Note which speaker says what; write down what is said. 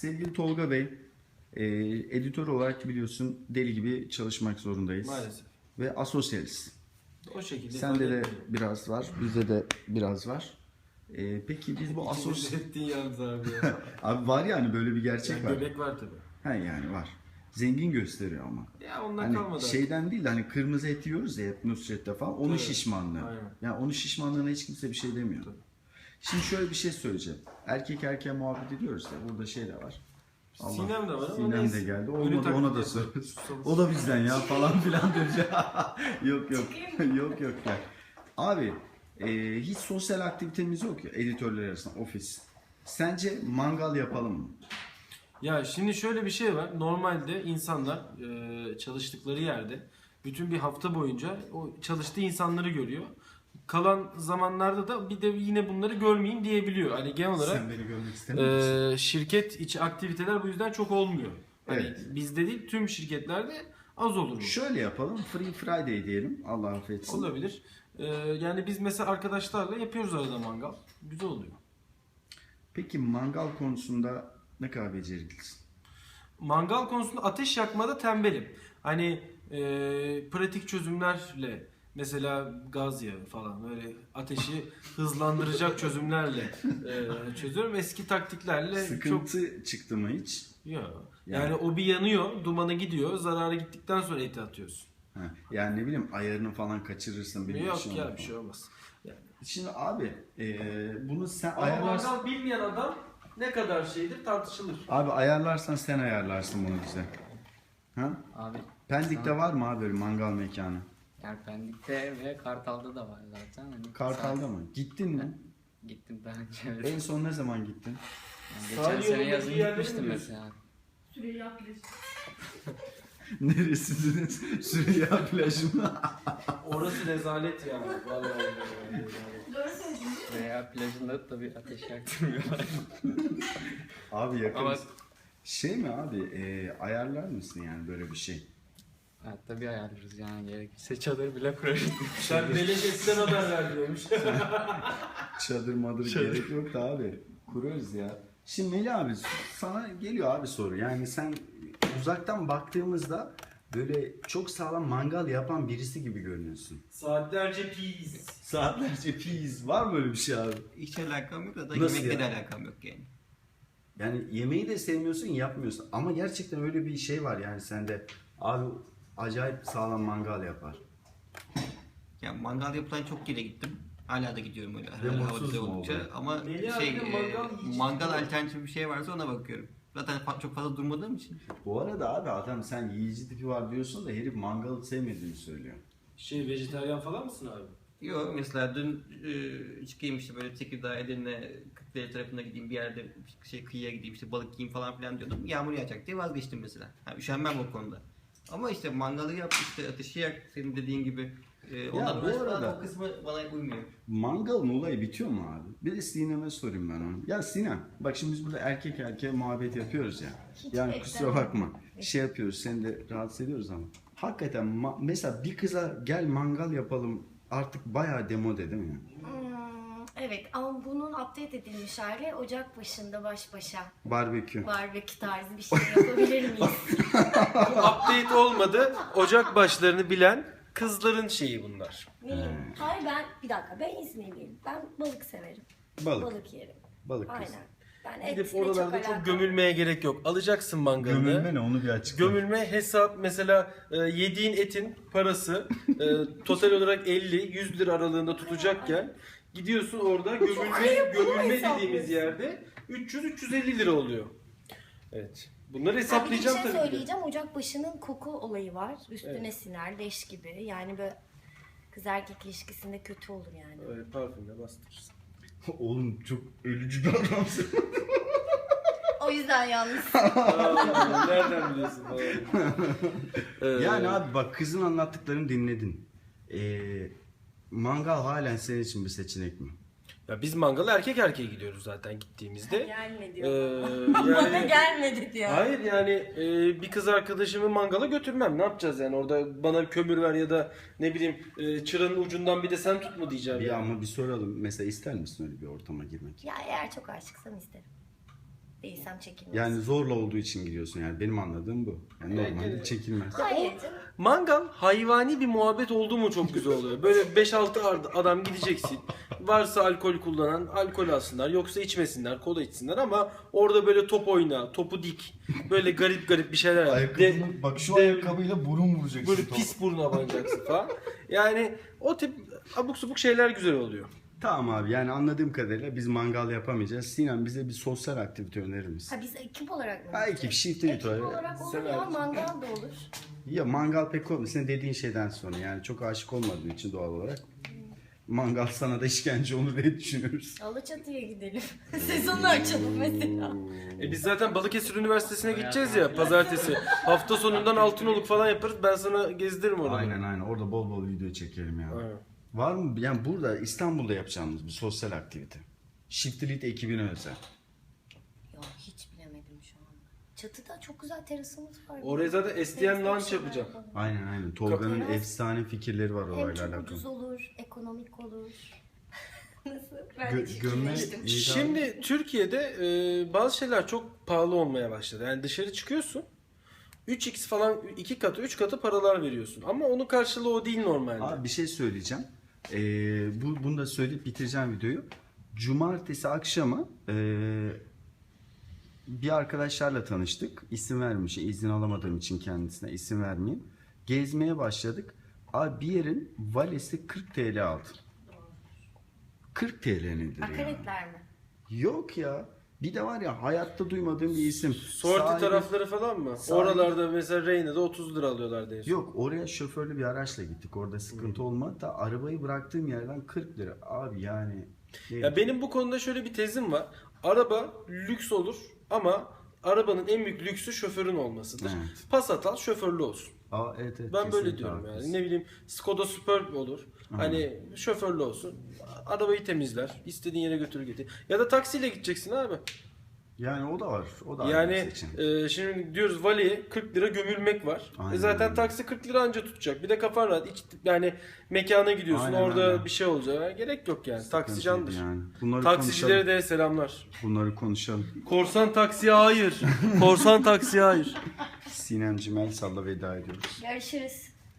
Speaker 1: Sevgili Tolga Bey, editör olarak biliyorsun deli gibi çalışmak zorundayız.
Speaker 2: Maalesef.
Speaker 1: Ve asosyaliz.
Speaker 2: O şekilde.
Speaker 1: Sende de biraz var, bizde de biraz var. Peki biz bu
Speaker 2: İkimiz ettiğin yalnız abi ya.
Speaker 1: Abi var yani böyle bir gerçek
Speaker 2: Yani
Speaker 1: var.
Speaker 2: göbek var tabii.
Speaker 1: Ha yani var. Zengin gösteriyor ama.
Speaker 2: Ya ondan
Speaker 1: Hani
Speaker 2: kalmadı.
Speaker 1: şeyden değil de hani kırmızı et yiyoruz ya hep Nusret'te falan. Onun
Speaker 2: Evet,
Speaker 1: şişmanlığı.
Speaker 2: aynen.
Speaker 1: Yani onun şişmanlığına hiç kimse bir şey demiyor.
Speaker 2: Tabii.
Speaker 1: Şimdi şöyle bir şey söyleyeceğim. Erkek erkeğe muhabbet ediyoruz ya. Burada şey de var. Allah,
Speaker 2: Sinem de var ama
Speaker 1: Sinem
Speaker 2: neyse.
Speaker 1: de geldi.
Speaker 2: Ölü
Speaker 1: Olmadı
Speaker 2: taklidi
Speaker 1: ona da
Speaker 2: yapıyor.
Speaker 1: söyleriz. O da bizden ya falan filan diyeceğim. Yok yok. Yok yok ya. Abi hiç sosyal aktivitemiz yok ya editörler arasında ofis. Sence mangal yapalım mı?
Speaker 2: Ya şimdi şöyle bir şey var. Normalde insanlar çalıştıkları yerde bütün bir hafta boyunca o çalıştığı insanları görüyor. Kalan zamanlarda da bir de yine bunları görmeyeyim diyebiliyor. Hani genel olarak
Speaker 1: Sen beni görmek istemiyor musun?
Speaker 2: şirket içi aktiviteler bu yüzden çok olmuyor. Hani
Speaker 1: Evet.
Speaker 2: bizde değil tüm şirketlerde az olur bu.
Speaker 1: Şöyle yapalım. Free Friday diyelim. Allah affetsin.
Speaker 2: Olabilir. Yani biz mesela arkadaşlarla yapıyoruz arada mangal. Güzel oluyor.
Speaker 1: Peki mangal konusunda ne kadar beceriklisin?
Speaker 2: Mangal konusunda ateş yakmada tembelim. Hani pratik çözümlerle mesela gaz yağı falan böyle ateşi hızlandıracak çözümlerle çözüyorum. Eski taktiklerle
Speaker 1: Sıkıntı çıktı mı hiç?
Speaker 2: Yok.
Speaker 1: Yani-
Speaker 2: Yani o bir yanıyor, dumanı gidiyor. Zararı gittikten sonra eti atıyorsun.
Speaker 1: Ha, yani ne bileyim ayarını falan kaçırırsın. Benim
Speaker 2: Yok
Speaker 1: işim
Speaker 2: ya
Speaker 1: olur
Speaker 2: bir şey
Speaker 1: falan.
Speaker 2: olmaz. Yani.
Speaker 1: Şimdi abi bunu sen
Speaker 2: Ama
Speaker 1: ayarlarsın.
Speaker 2: mangal bilmeyen adam ne kadar şeydir tartışılır.
Speaker 1: Abi ayarlarsan sen ayarlarsın bunu bize. Ha?
Speaker 3: Abi
Speaker 1: Pendik'te var mı abi böyle mangal mekanı?
Speaker 3: yani Pendik'te ve Kartal'da da var zaten. Hani
Speaker 1: Kartal'da mı? Gittin mi?
Speaker 3: Gittim daha önce. Evet.
Speaker 1: En son ne zaman gittin?
Speaker 3: Yani
Speaker 2: Sahil
Speaker 3: geçen sene
Speaker 2: yolundaki
Speaker 3: yazın
Speaker 2: yerleri mi
Speaker 3: gitmiştim
Speaker 2: diyorsun?
Speaker 3: mesela.
Speaker 4: Süreyya Plajı.
Speaker 1: Neresiniz? Süreyya plajı mı?
Speaker 2: Orası rezalet ya. Vallahi rezalet.
Speaker 4: Doğru söyledin.
Speaker 3: Veya plajında tabii ateş yaktırmıyorlar.
Speaker 1: Abi yakın.
Speaker 3: Ama
Speaker 1: Şey mi abi ayarlar mısın yani böyle bir şey?
Speaker 3: evet, tabii ayarlarız yani gerekirse çadır bile kurarız.
Speaker 2: Sen belediyesinden haber ver diyormuş.
Speaker 1: Çadır madır gerek yok da abi. Kuruyoruz ya. Şimdi Melih abi sana geliyor abi soru. Yani sen uzaktan baktığımızda böyle çok sağlam mangal yapan birisi gibi görünüyorsun.
Speaker 2: Saatlerce pis.
Speaker 1: Saatlerce pizz. Var mı öyle bir şey abi?
Speaker 5: Hiç alakam yok da
Speaker 1: Nasıl
Speaker 5: yemekle de
Speaker 1: ya?
Speaker 5: alakam yok yani.
Speaker 1: Yani yemeği de sevmiyorsun yapmıyorsun. Ama gerçekten öyle bir şey var yani sende. Abi acayip sağlam mangal yapar.
Speaker 5: Yani mangal yapılan çok yere gittim. Hala da gidiyorum öyle
Speaker 1: Ve
Speaker 5: hava
Speaker 1: mutsuz
Speaker 5: güzel
Speaker 1: mu
Speaker 5: oldukça.
Speaker 1: oldun?
Speaker 5: Ama
Speaker 2: Melih
Speaker 5: şey
Speaker 2: abi de mangal yiyecek
Speaker 5: mangal
Speaker 2: mi?
Speaker 5: alternatif bir şey varsa ona bakıyorum. Zaten çok fazla durmadığım için.
Speaker 1: Bu arada abi adam sen yiyici tipi var diyorsun da herif mangalı sevmediğini söylüyor.
Speaker 2: Vejetaryen falan mısın abi?
Speaker 5: Yok mesela dün çıkayım işte böyle Tekirdağ, Edirne, Kırklareli tarafına gideyim bir yerde kıyıya gideyim işte balık yiyeyim falan filan diyordum. Yağmur yağacak diye vazgeçtim mesela. Yani üşenmem o konuda. Ama işte mangalı yap işte ateşi yak senin dediğin gibi. Ondan
Speaker 1: bu
Speaker 5: uğraş falan,
Speaker 1: arada-
Speaker 5: o kısmı bana uymuyor.
Speaker 1: Mangalın olayı bitiyor mu abi? Bir de Sinem'e sorayım ben onu. Ya Sinem, bak şimdi biz burada erkek erkeğe muhabbet yapıyoruz ya.
Speaker 4: Hiç
Speaker 1: Yani
Speaker 4: beklemem.
Speaker 1: kusura bakma. Şey yapıyoruz, seni de rahatsız ediyoruz ama. Hakikaten mesela bir kıza gel mangal yapalım artık bayağı demode değil mi?
Speaker 4: Evet ama bunun update edilmiş hali Ocak başında baş başa
Speaker 1: Barbekü.
Speaker 4: barbekü tarzı bir şey yapabilir miyiz?
Speaker 2: Bu update olmadı. Ocak başlarını bilen kızların şeyi bunlar.
Speaker 4: Hayır ben İzmirliyim. Ben balık severim.
Speaker 1: Balık.
Speaker 4: Balık yerim.
Speaker 1: Balık kız.
Speaker 4: Aynen. Ben
Speaker 2: Gidip
Speaker 4: etle çok
Speaker 2: oralarda çok
Speaker 4: alakam.
Speaker 2: gömülmeye gerek yok. Alacaksın mangalını.
Speaker 1: Gömülme ne onu bir açıkla.
Speaker 2: Gömülme hesap mesela yediğin etin parası total olarak 50-100 lira aralığında tutacakken gidiyorsun orada gömülme dediğimiz
Speaker 4: hesaplıyorsun.
Speaker 2: yerde 300-350 lira oluyor. Evet. Bunları
Speaker 4: Ha, bir
Speaker 2: hesaplayacağım
Speaker 4: şey
Speaker 2: tabii ki de.
Speaker 4: söyleyeceğim. Ocak başının koku olayı var. Üstüne
Speaker 2: Evet.
Speaker 4: siner leş gibi. Yani böyle kız erkek ilişkisinde kötü olur yani.
Speaker 2: Evet, parfümle bastırırsın.
Speaker 1: Oğlum çok ölücü bir adamsın.
Speaker 4: O yüzden yalnız.
Speaker 2: Aa, nereden biliyorsun falan.
Speaker 1: Yani abi bak kızın anlattıklarını dinledin. Mangal halen senin için bir seçenek mi?
Speaker 2: Ya biz mangala erkek erkeğe gidiyoruz zaten gittiğimizde.
Speaker 4: Gelme
Speaker 2: Ee,
Speaker 4: diyor. Bana
Speaker 2: yani
Speaker 4: gelmedi diyor.
Speaker 2: hayır yani bir kız arkadaşımı mangala götürmem. Ne yapacağız yani orada bana kömür ver ya da ne bileyim çıranın ucundan bir de sen tut mu diyeceğim.
Speaker 1: Bir
Speaker 2: yani.
Speaker 1: ama bir soralım. Mesela ister misin öyle bir ortama girmek?
Speaker 4: Ya eğer çok aşıksam isterim. Değilsem çekilmez.
Speaker 1: Yani zorla olduğu için gidiyorsun yani benim anladığım bu. Yani normalde
Speaker 2: Evet.
Speaker 1: çekilmez.
Speaker 4: Hayır canım.
Speaker 2: Mangal hayvani bir muhabbet oldu mu çok güzel oluyor. Böyle 5-6 adam gideceksin. Varsa alkol kullanan alkol alsınlar. Yoksa içmesinler, kola içsinler ama orada böyle top oyna, topu dik. Böyle garip garip bir şeyler yap.
Speaker 1: Bak şu ayakkabıyla burun vuracaksın.
Speaker 2: Böyle pis buruna banacaksın falan. Yani o tip abuk subuk şeyler güzel oluyor.
Speaker 1: Tamam abi yani anladığım kadarıyla biz mangal yapamayacağız. Sinan bize bir sosyal aktivite önerir misin?
Speaker 4: Ha biz ekip olarak mı?
Speaker 1: Ha, ekip, shift edit
Speaker 4: Ekip
Speaker 1: var.
Speaker 4: olarak olur
Speaker 2: Sen
Speaker 4: ya,
Speaker 2: hariç.
Speaker 4: mangal da olur.
Speaker 1: Ya mangal pek olmuyor. Senin dediğin şeyden sonra yani çok aşık olmadığın için doğal olarak. Mangal sana da işkence olur diye düşünüyoruz.
Speaker 4: Alaçatı'ya gidelim. Sezonu açalım mesela.
Speaker 2: Biz zaten Balıkesir Üniversitesi'ne gideceğiz ya pazartesi. Hafta sonundan Altınoluk falan yaparız. Ben sana gezdiririm orada.
Speaker 1: Aynen orada bol bol video çekelim ya.
Speaker 2: Aynen.
Speaker 1: Var mı yani burada İstanbul'da yapacağımız bir sosyal aktivite? Shift Elite ekibine özel.
Speaker 4: Yok hiç bilemedim şu anda. Çatıda çok güzel terasımız var.
Speaker 2: Oraya zaten STM launch yapacağım.
Speaker 1: Aynen. Tolga'nın
Speaker 4: Teras-
Speaker 1: efsane fikirleri var
Speaker 4: Hem
Speaker 1: orayla
Speaker 4: çok
Speaker 1: alakalı.
Speaker 4: ucuz olur, ekonomik olur. Nasıl? Ben de
Speaker 1: Gömme
Speaker 4: fikirleştim.
Speaker 2: Şimdi Türkiye'de bazı şeyler çok pahalı olmaya başladı. Yani dışarı çıkıyorsun 3x falan 2 katı 3 katı paralar veriyorsun. Ama onun karşılığı o değil normalde.
Speaker 1: Abi bir şey söyleyeceğim. Bunu da söyleyip bitireceğim videoyu. Cumartesi akşamı bir arkadaşlarla tanıştık. İsim vermiş. İzin alamadığım için kendisine isim vermeyeyim. Gezmeye başladık. Abi bir yerin valesi 40 TL aldı. 40 TL nedir ya?
Speaker 4: Akaretler mi?
Speaker 1: Yok ya. Bir de var ya hayatta duymadığım bir isim.
Speaker 2: Sorti
Speaker 1: Sahibi-
Speaker 2: tarafları falan mı?
Speaker 1: Sahibi-
Speaker 2: Oralarda mesela Reyna'da 30 lira alıyorlardı en son.
Speaker 1: Yok oraya şoförlü bir araçla gittik. Orada sıkıntı olmadı da arabayı bıraktığım yerden 40 lira. Abi yani.
Speaker 2: Ya benim bu konuda şöyle bir tezim var. Araba lüks olur ama arabanın en büyük lüksü şoförün olmasıdır.
Speaker 1: Evet.
Speaker 2: Passat al şoförlü olsun.
Speaker 1: Evet,
Speaker 2: Ben böyle
Speaker 1: kesinlikle
Speaker 2: diyorum
Speaker 1: haklısın.
Speaker 2: yani. Ne bileyim Skoda Superb olur. Hani şoförlü olsun. Arabayı temizler. İstediğin yere götürür getir. Ya da taksiyle gideceksin abi.
Speaker 1: Yani o da var. O da ayrı
Speaker 2: Yani
Speaker 1: bir seçenek.
Speaker 2: şimdi diyoruz valiye 40 lira gömülmek var.
Speaker 1: Aynen
Speaker 2: Zaten
Speaker 1: öyle.
Speaker 2: taksi 40 lira anca tutacak. Bir de kafan rahat. Yani mekana gidiyorsun.
Speaker 1: Aynen
Speaker 2: orada
Speaker 1: öyle.
Speaker 2: bir şey olacak. Gerek yok yani. Taksi candır.
Speaker 1: Yani. Bunları
Speaker 2: Taksicilere
Speaker 1: konuşalım.
Speaker 2: de selamlar.
Speaker 1: Bunları konuşalım.
Speaker 2: Korsan taksiye hayır. Korsan taksiye hayır.
Speaker 1: Sinem Cimel Sal'la veda ediyoruz.
Speaker 4: Görüşürüz.